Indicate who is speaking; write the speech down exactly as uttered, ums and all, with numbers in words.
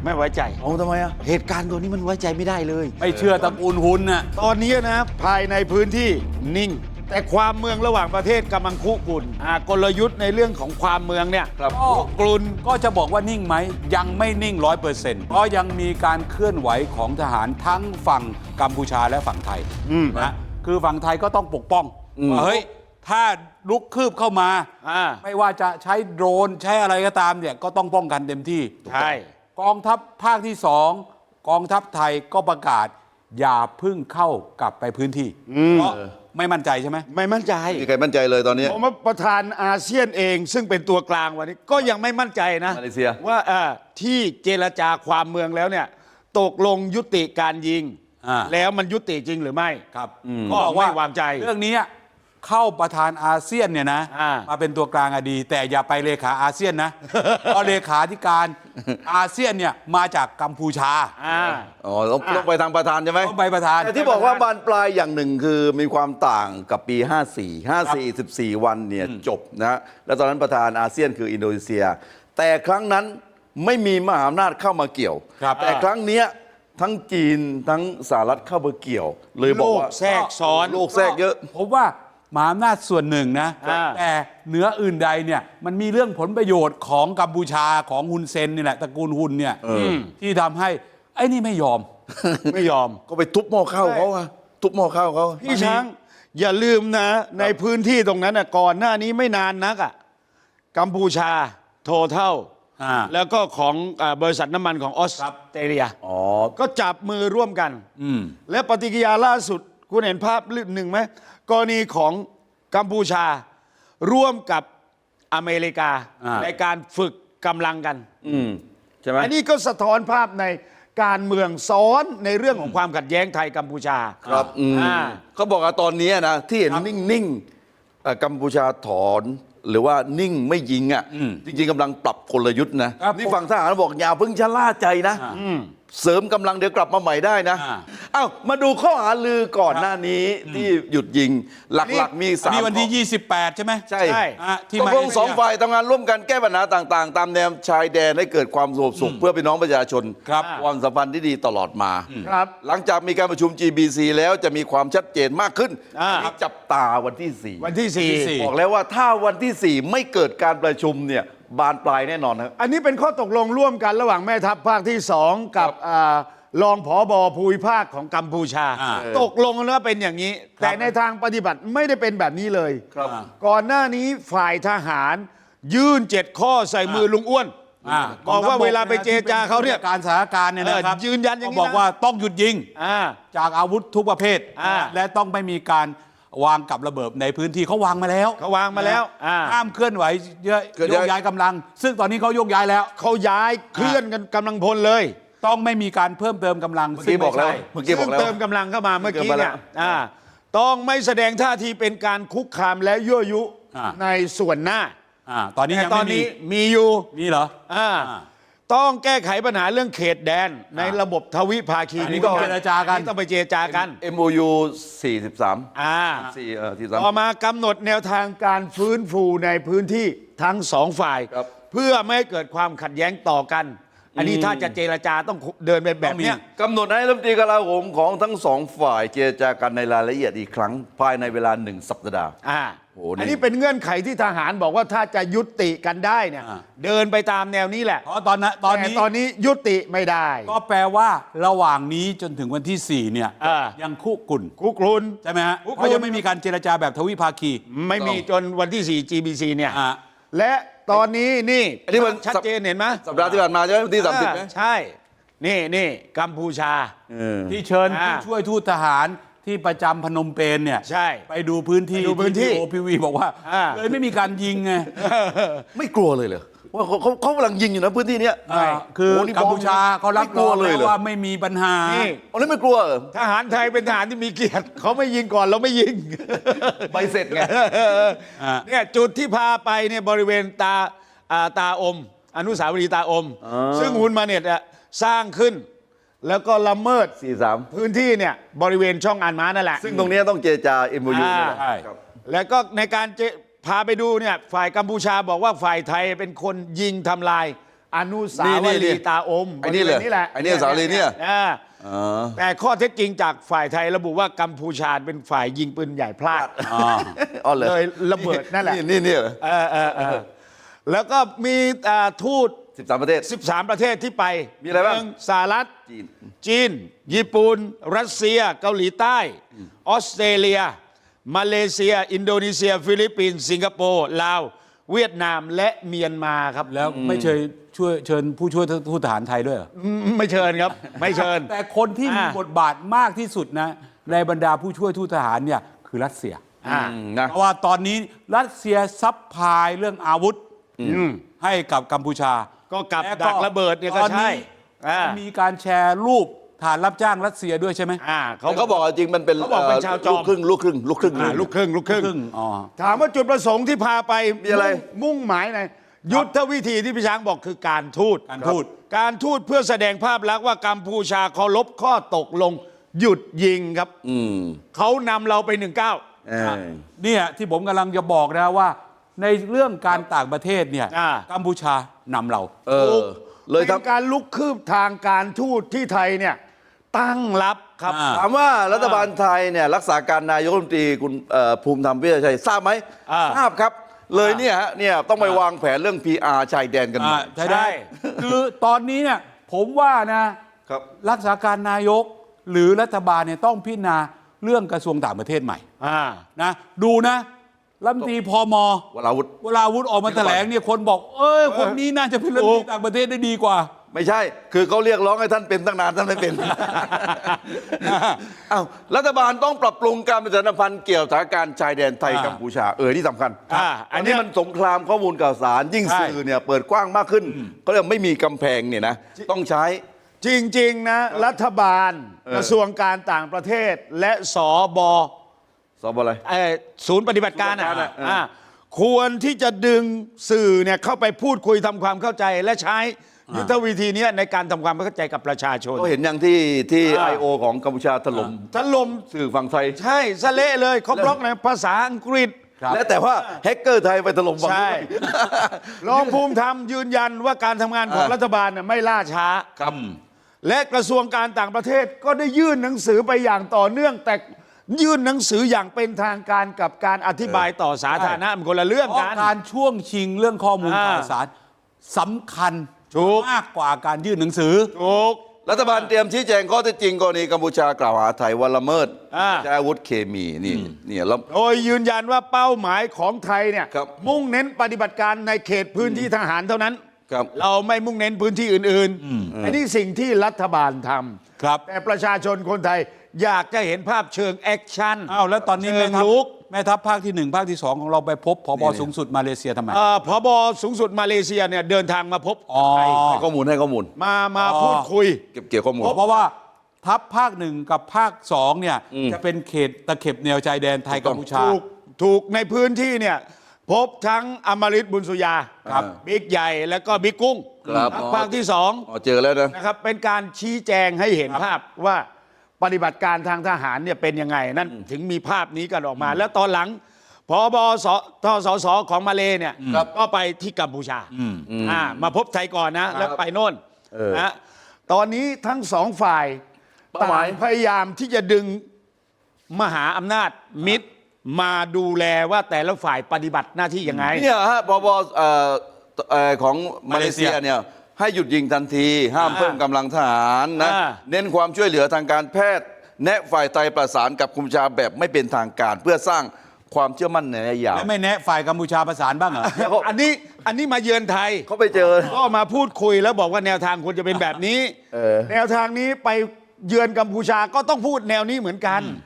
Speaker 1: ไม่ไว้ใจ
Speaker 2: เอาทำไมอ่ะ
Speaker 1: เหตุการณ์ตัวนี้มันไว้ใจไม่ได้เลย
Speaker 3: ไม่เชื่อตระกูลหุนน่ะ
Speaker 1: ตอนนี้นะภายในพื้นที่นิ่งแต่ความเมืองระหว่างประเทศกำลังคุกรุ่นกลยุทธ์ในเรื่องของความเมืองเนี่ยคุกรุ่น
Speaker 3: ก็จะบอกว่านิ่งไหมยังไม่นิ่งร้อยเปอร์เซ็นต์เพราะยังมีการเคลื่อนไหวของทหารทั้งฝั่งกัมพูชาและฝั่งไทยนะคือฝั่งไทยก็ต้องปกป้องว่าเฮ้ยถ้าลุกคืบเข้ามาไม่ว่าจะใช้โดรนใช้อะไรก็ตามเนี่ยก็ต้องป้องกันเต็มที่
Speaker 1: ใช่
Speaker 3: กองทัพภาคที่สองกองทัพไทยก็ประกาศอย่าพึ่งเข้ากลับไปพื้นที่เพราะไม่มั่นใจใช่ไหม
Speaker 1: ไม่มั่นใจ
Speaker 2: มีใครมั่นใจเลยตอนนี้
Speaker 1: ผมว่าประธานอาเซียนเองซึ่งเป็นตัวกลางวันนี้ก็ยังไม่มั่นใจนะ
Speaker 2: มาเลเซีย
Speaker 1: ว่าที่เจรจาความเมืองแล้วเนี่ยตกลงยุติการยิงแล้วมันยุติจริงหรือไม่
Speaker 3: ครับ
Speaker 1: ก็ไม่วางใจ
Speaker 3: เรื่องนี้เข้าประธานอาเซียนเนี่ยนะมาเป็นตัวกลางอดีแต่อย่าไปเลขาอาเซียนนะเพราะเลขาธิการอาเซียนเนี่ยมาจากกัมพูชา
Speaker 2: อ๋อต้องไปทางประธานใช่ไหม
Speaker 3: ต้องไปประธาน
Speaker 2: แต่ที่บอกว่าบานปลายอย่างหนึ่งคือมีความต่างกับปีห้าสี่ ห้าสี่ สิบสี่วันเนี่ยจบนะแล้วตอนนั้นประธานอาเซียนคืออินโดนีเซียแต่ครั้งนั้นไม่มีมหาอำนาจเข้ามาเกี่ยวแต่ครั้งนี้ทั้งจีนทั้งสหรัฐเข้ามาเกี่ยวเลยบอกว่า
Speaker 1: แทรกซ้อน
Speaker 2: โลกแทรกเยอะ
Speaker 3: ผมว่ามหาอำนาจส่วนหนึ่งนะแต่เหนืออื่นใดเนี่ยมันมีเรื่องผลประโยชน์ของกัมพูชาของฮุนเซนนี่แหละตระกูลฮุนเนี่ยที่ทำให้ไอ้นี่ไม่ยอม
Speaker 1: ไม่ยอม
Speaker 2: ก็ไปทุบหม้อข้าวเขาอะทุบหม้อข้าวเขา
Speaker 1: พี่ช้างอย่าลืมนะในพื้นที่ตรงนั้นนะก่อนหน้านี้ไม่นานนักอ่ะกัมพูชาโทเท่าแล้วก็ของบริษัทน้ำมันของออสเตรเลียก็จับมือร่วมกันและปฏิกิริยาล่าสุดคุณเห็นภาพหนึ่งไหมกรณีของกัมพูชาร่วมกับอเมริกาในการฝึกกำลังกัน
Speaker 2: ใช่ไหม
Speaker 1: อันนี้ก็สะท้อนภาพในการเมืองซ้อนในเรื่องของความขัดแย้งไทยกัมพูชา
Speaker 2: ครับเขาบอกว่าตอนนี้นะที่เห็นนิ่งๆกัมพูชาถอนหรือว่านิ่งไม่ยิงอ่ะจริงๆกำลังปรับกลยุทธ์นะนี่ฝั่งทหารบอกอย่าเพิ่งชะล่าใจนะเสริมกำลังเดี๋ยวกลับมาใหม่ได้นะเอ้ามาดูข้อหาลือก่อนหน้านี้ที่หยุดยิงหลักๆมีสาม
Speaker 3: นี่วันที่ยี่สิบแปดใช่ไหม
Speaker 2: ใช่ที่ตกลงสองฝ่ายทำงานร่วมกันแก้ปัญหาต่างๆตามแนวชายแดนให้เกิดความสงบสุขเพื่อพี่น้องประชาชนความสัมพันธ์ที่ดีตลอดมาหลังจากมีการประชุม จี บี ซี แล้วจะมีความชัดเจนมากขึ้นจับตาวันที่สี่
Speaker 1: วันที่สี่
Speaker 2: บอกแล้วว่าถ้าวันที่สี่ไม่เกิดการประชุมเนี่ยบานปลายแน่นอนครับ
Speaker 1: อันนี้เป็นข้อตกลงร่วมกันระหว่างแม่ทัพภาคที่สองกับรองผบ.ภูมิภาคของกัมพูชาตกลงแล้วเป็นอย่างนี้แต่ในทางปฏิบัติไม่ได้เป็นแบบนี้เลยก่อนหน้านี้ฝ่ายทหารยื่นเจ็ดข้อใส่มือลุงอ้วนบอกว่าเวลาไปเจรจาเขาเนี่ย
Speaker 3: การสถานการณ์เนี่ยนะครับ
Speaker 1: ยืนยันอย่างนี้
Speaker 3: บอกว่าต้องหยุดยิงจากอาวุธทุกประเภทและต้องไม่มีการวางกับระเบิดในพื้นที่เขาวางมาแล้ว
Speaker 1: เขาวางมาแล้ว
Speaker 3: ห้ามเคลื่อนไหวเยอะโยกย้ายกำลังซึ่งตอนนี้เขาโยกย้ายแล้ว
Speaker 1: เขาย้ายเคลื่อนกันกำลังพลเลย
Speaker 3: ต้องไม่มีการเพิ่มเติมกำลัง
Speaker 2: เมื่อกี้บอกแล้ว
Speaker 1: เมื่อกี้บอกแล้วเติมกำลังเข้ามาเมื่อกี้เนี่ยต้องไม่แสดงท่าทีเป็นการคุกคามและยั่วยุในส่วนหน้า
Speaker 3: ตอนนี้ยังไม่มี
Speaker 1: มีอยู่
Speaker 3: มีเหรอ
Speaker 1: ต้องแก้ไขปัญหาเรื่องเขตแดนในระบบทวิภาคี
Speaker 3: นี่ต้องเจรจากัน
Speaker 1: ต้องไปเจรจากัน
Speaker 2: เอ็ม โอ ยู สี่สิบสาม
Speaker 1: อ่าต่อมากำหนดแนวทางการฟื้นฟูในพื้นที่ทั้งสองฝ่ายเพื่อไม่ให้เกิดความขัดแย้งต่อกันอันนี้ถ้าจะเจรจาต้องเดินไปแบบนี้
Speaker 2: กำหนดให้รัฐมนตรีกลาโหมของทั้งสองฝ่ายเจรจากันในรายละเอียดอีกครั้งภายในเวลาหนึ่งสัปดาห์
Speaker 1: อ่าอันนี้เป็นเงื่อนไขที่ทหารบอกว่าถ้าจะยุติกันได้เนี่ยเดินไปตามแนวนี้แหละ
Speaker 3: เพราะตอนนั้นตอนนี้
Speaker 1: ตอนนี้ยุติไม่ได้
Speaker 3: ก็แปลว่าระหว่างนี้จนถึงวันที่สี่เนี่ยยังคุกรุ่น
Speaker 1: คุกรุ่น
Speaker 3: ใช่ไหมฮะเขายังไม่มีการเจรจาแบบทวิภาคี
Speaker 1: ไม่มีจนวันที่สี่ จี บี ซี เนี่ยและตอนนี้นี่
Speaker 2: อันนี้มัน
Speaker 1: ชัดเจนเห็นไหม
Speaker 2: สัปดาห์ที่ผ่านมาใช่ไหมวันที่สามสิบ
Speaker 1: ใช่นี่นี่กัมพูชา
Speaker 3: ที่เชิญผู้ช่วยทูตทหารที่ประจำพนมเปญเนี่ย
Speaker 1: ใช่
Speaker 3: ไปดูพื้นที่
Speaker 1: ดูพื้นที่
Speaker 3: โอพีวีบอกว่าเลยไม่มีการยิงไง
Speaker 2: ไม่กลัวเลยเหรอว่าเขาเขาเขากำลังยิงอยู่นะพื้นที่นี้
Speaker 3: คือกัมพูชาเขารับรองเลยว่าไม่มีปัญหา
Speaker 2: อันนี้ไม่กลัว
Speaker 1: ทหารไทยเป็นทหารที่มีเกียรติเขาไม่ยิงก่อนเราไม่ยิง
Speaker 2: ใบเสร็จไง
Speaker 1: เนี่ยจุดที่พาไปเนี่ยบริเวณตาตาอมอนุสาวรีย์ตาอมซึ่งฮุนมาเน็ตสร้างขึ้นแล้วก็ละเมิด
Speaker 2: สี่สิบสาม
Speaker 1: พื้นที่เนี่ยบริเวณช่องอันม้านั่นแหละ
Speaker 2: ซึ่งตรงนี้ต้องเจรจา เอ็ม โอ ยู
Speaker 1: ใช่แล้วก็ในการพาไปดูเนี่ยฝ่ายกัมพูชาบอกว่าฝ่ายไทยเป็นคนยิงทำลายอนุสาวรีย์ตาอม
Speaker 2: ไอ้นี่เลย
Speaker 1: นี่แหละ
Speaker 2: ไอ้นี่อนุสาวรีย์เนี่ย
Speaker 1: อ่า
Speaker 2: อ๋อ
Speaker 1: แต่ข้อเท็จจริงจากฝ่ายไทยระบุว่ากัมพูชาเป็นฝ่ายยิงปืนใหญ่พลาด
Speaker 3: อ๋อ
Speaker 2: อ๋อเหรอ
Speaker 1: เลยระเบิดนั่นแหละ
Speaker 2: นี่นี่เหรอ
Speaker 1: เออเออเออแล้วก็มีอ่าทูต
Speaker 2: สิบสามประเทศ
Speaker 1: สิบสาม ประเทศที่ไป
Speaker 2: มีอะไรบ้าง
Speaker 1: หนึ่สหรัฐ
Speaker 2: จีน
Speaker 1: จีน ญี่ปุ่น รัสเซีย เกาหลีใต้ ออสเตรเลีย มาเลเซีย อินโดนีเซีย ฟิลิปปินส์ สิงคโปร์ ลาว เวียดนาม และเมียนมาครับ
Speaker 3: แล้วไม่เชิญช่วยเชิญผู้ช่วยทูตทหารไทยด้วยเหรอ
Speaker 1: อืมไม่เชิญครับ ไม่เชิญ
Speaker 3: แต่คนที่มี
Speaker 1: อ่า
Speaker 3: บทบาทมากที่สุดนะ ในบรรดาผู้ช่วยทูตทหารเนี่ยคือรัสเซีย
Speaker 1: อ่า
Speaker 2: อืมนะ
Speaker 3: เพราะว่าตอนนี้รัสเซียซัพพลายเรื่องอาวุธ
Speaker 1: อืม
Speaker 3: ให้กับกัมพูชา
Speaker 1: ก็กับ
Speaker 3: และ
Speaker 1: ดักระเบิดเนี่ยก็
Speaker 3: ตอน
Speaker 1: ใช่
Speaker 3: นี้
Speaker 1: อ่า
Speaker 3: มีการแชร์รูปฐานรับจ้างรัสเซียด้วยใช่ไหม
Speaker 1: อ่า
Speaker 2: เขา
Speaker 1: เขา
Speaker 2: เขาบอกว่าจริงมันเป็น
Speaker 1: เขาบอกเป็นชาวจอม
Speaker 2: ลูกครึ่งลูกครึ่งลูกครึ่ง
Speaker 1: อ่าลูกครึ่งลูกครึ่ง
Speaker 3: ครึ่งอ๋อ
Speaker 1: ถามว่าจุดประสงค์ที่พาไป
Speaker 2: มีอะไร
Speaker 1: มุ่งหมายไหนยุทธวิธีที่พี่ช้างบอกคือการทูต
Speaker 3: การทูต
Speaker 1: การทูตเพื่อแสดงภาพลักษณ์ว่ากัมพูชาเคารพข้อตกลงหยุดยิงครับ
Speaker 2: อืม
Speaker 1: เขานำเราไปหนึ่งเก้า
Speaker 2: เออ
Speaker 3: เนี่ยที่ผมกำลังจะบอกนะว่า ในเรื่องการต่างประเทศเนี่ย
Speaker 1: อ่า
Speaker 3: กัมพูชานำเรา
Speaker 2: เออเลย
Speaker 1: เป็น
Speaker 2: ทำ
Speaker 1: การลุกคืบทางการทูตที่ไทยเนี่ยตั้งรับครับ
Speaker 3: อ่า
Speaker 2: ถามว่ารัฐบาลไทยเนี่ยรักษาการนายกรัฐมนตรีคุณเอ่อภูมิธรรมเวชชัยทราบไหม
Speaker 1: อ่า
Speaker 2: ทราบครับ เลยเนี่ยฮะเนี่ยต้องไปวางแผนเรื่อง พี อาร์ ชายแดนกันหน่
Speaker 3: อ่า
Speaker 2: อย
Speaker 3: ใช่ได้ คือตอนนี้เนี่ยผมว่านะครับ รักษาการนายกหรือรัฐบาลเนี่ยต้องพิจารณาเรื่องกระทรวงต่างประเทศใหม่
Speaker 1: อ่า
Speaker 3: นะดูนะรัฐมนตรีพม
Speaker 2: วราวุธ
Speaker 3: เวลาวุฒิออกมาแถลงเนี่ยคนบอก เอ้ยคนนี้น่าจะเป็นรัฐมนตรีต่างประเทศได้ดีกว่า
Speaker 2: ไม่ใช่ คือเขาเรียกร้องให้ท่านเป็นตั้งนานท่านไม่เป็น อ้าวรัฐบาลต้องปรับปรุงการประชาสัมพันธ์เกี่ยวกับสถานการณ์ชายแดนไทย
Speaker 3: อ่า
Speaker 2: กัมพูชาเออที่สำคัญ
Speaker 1: อ่าอั
Speaker 2: อั
Speaker 1: น
Speaker 2: น
Speaker 1: เนี้
Speaker 2: นี้
Speaker 1: ย
Speaker 2: มันสงครามข้อมูลข่าวสาร ยิ่ง
Speaker 1: ใช่
Speaker 2: สื่อเนี่ยเปิดกว้างมากขึ้นก็เรียกไม่มีกำแพงเนี่ยนะต้องใช้
Speaker 1: จริง ๆ นะ รัฐบาล
Speaker 2: เออ
Speaker 1: กระทรวงการต่างประเทศและสบ
Speaker 2: สอบอะไร
Speaker 1: เอ่อศูนย์ปฏิบัติการ
Speaker 2: ศูนย์ปฏิบัติการ
Speaker 1: อ่ะ
Speaker 2: อ่ะเอออ่
Speaker 1: อ่ะควรที่จะดึงสื่อเนี่ยเข้าไปพูดคุยทำความเข้าใจ และใช้ยุทธวิธีเนี้ยในการทำความเข้าใจกับประชาชน
Speaker 2: ก็เห็นอย่างที่ที่
Speaker 1: อ่า
Speaker 2: ไอโอของกัมพูชาถล่ม
Speaker 1: ถล่ม
Speaker 2: สื่อฝั่งไทย
Speaker 1: ใช่สะเละเลยเขาบล็อกในภาษาอังกฤษ
Speaker 3: ครับ
Speaker 2: และแต่ว่าแฮกเกอร์ไทยไปถล่มฝั่ง
Speaker 1: ใช่
Speaker 2: นู้น
Speaker 1: รองภูมิธรรมยืนยันว่าการทำงานของ
Speaker 2: อ่า
Speaker 1: รัฐบาลเนี่ยไม่ล่าช้า
Speaker 2: ครับ
Speaker 1: และกระทรวงการต่างประเทศก็ได้ยื่นหนังสือไปอย่างต่อเนื่อง แต่ยื่นหนังสืออย่างเป็นทางการกับการอธิบายต่อสาธารณะมันคนละเรื่อง
Speaker 3: เพราะ
Speaker 1: กัน
Speaker 3: การช่วงชิงเรื่องข้อมูล
Speaker 1: อ่า
Speaker 3: ข่าวสารสำคัญ
Speaker 1: ถูก
Speaker 3: มากกว่าการยื่นหนังสือ
Speaker 1: ถูก
Speaker 2: รัฐบาลเตรียมชี้แจงข้อเท็จจริงกรณีกัมพูชากล่าวหาไทยว่าละเมิด
Speaker 1: อ่า
Speaker 2: ใช้อาวุธเคมีนี่นี่แล้ว
Speaker 1: โดยยืนยันว่าเป้าหมายของไทยเนี่ย
Speaker 2: ครับ
Speaker 1: มุ่งเน้นปฏิบัติการในเขตพื้นที่ทหารเท่านั้น
Speaker 2: ครับ
Speaker 1: เราไม่มุ่งเน้นพื้นที่อื่นๆอันนี้สิ่งที่รัฐบาลทำ
Speaker 3: ครับ
Speaker 1: แต่ประชาชนคนไทยอยากจะเห็นภาพเชิงแอคชั่น
Speaker 3: อ้าวแล้วตอนนี้
Speaker 1: เชิ
Speaker 3: แม่
Speaker 1: ง
Speaker 3: ทัพ
Speaker 1: ลุก
Speaker 3: แม่ทัพภาคที่หนึ่งภาคที่สองของเราไปพบผบสูงสุดมาเลเซียทำไม
Speaker 1: เอ่อผบสูงสุดมาเลเซียเนี่ยเดินทางมาพบ
Speaker 3: อ๋อ
Speaker 1: ไทย
Speaker 2: ให้ข้อมูลให้ข้อมูล
Speaker 1: มามา
Speaker 3: อ๋อ
Speaker 1: พูดคุย
Speaker 2: เก็บเกี่ยวข้อมูล
Speaker 3: เพราะว่าทัพภาคหนึ่งกับภาคสองเนี่ย
Speaker 2: อืม
Speaker 3: จะเป็นเขตตะเข็บแนวชายแดนไทยกัมพูชา
Speaker 1: ถูกถูกในพื้นที่เนี่ยพบทั้งอมฤตบุญสุยา
Speaker 2: ครับ
Speaker 1: บิ๊กใหญ่แล้วก็บิ๊กกุ้ง
Speaker 2: ครับ
Speaker 1: ภาคที่สอง
Speaker 2: อ๋อเจอแล้วนะ
Speaker 1: นะครับเป็นการชี้แจงให้เห็นภาพว่าปฏิบัติการทางทหารเนี่ยเป็นยังไงนั่นถึงมีภาพนี้กันออกมา แล้วตอนหลังพบสทสสของมาเลเนี่ยก็ไปที่กัมพูชาอ่ามาพบไทยก่อนนะ แล้วไปโน่น
Speaker 2: เออ
Speaker 1: นะตอนนี้ทั้งสองฝ่าย
Speaker 2: เป้าหมาย
Speaker 1: ต่างพยายามที่จะดึงมหาอำนาจมิตรมาดูแลว่าแต่ละฝ่ายปฏิบัติหน้าที่ยังไง
Speaker 2: เนี่ยฮะปบเอ่อเอ่อของมาเลเซีย
Speaker 3: มาเลเซีย
Speaker 2: เนี่ยให้หยุดยิงทันที ห้าม
Speaker 1: อ่า
Speaker 2: เพิ่มกำลังทหารนะ
Speaker 1: อ่า
Speaker 2: เน้นความช่วยเหลือทางการแพทย์ แนะฝ่ายไทยประสานกับกัมพูชาแบบไม่เป็นทางการ เพื่อสร้างความเชื่อมั่นในระยะยาว
Speaker 3: แล้วไม่แนะฝ่ายกัมพูชาประสานบ้างเหรอ
Speaker 1: อันนี้อันนี้มาเยือนไทย
Speaker 2: เขาไปเจอ
Speaker 1: ก็มาพูดคุยแล้วบอกว่าแนวทางควรจะเป็นแบบนี้
Speaker 2: เออ
Speaker 1: แนวทางนี้ไปเยือนกัมพูชาก็ต้องพูดแนวนี้เหมือนกัน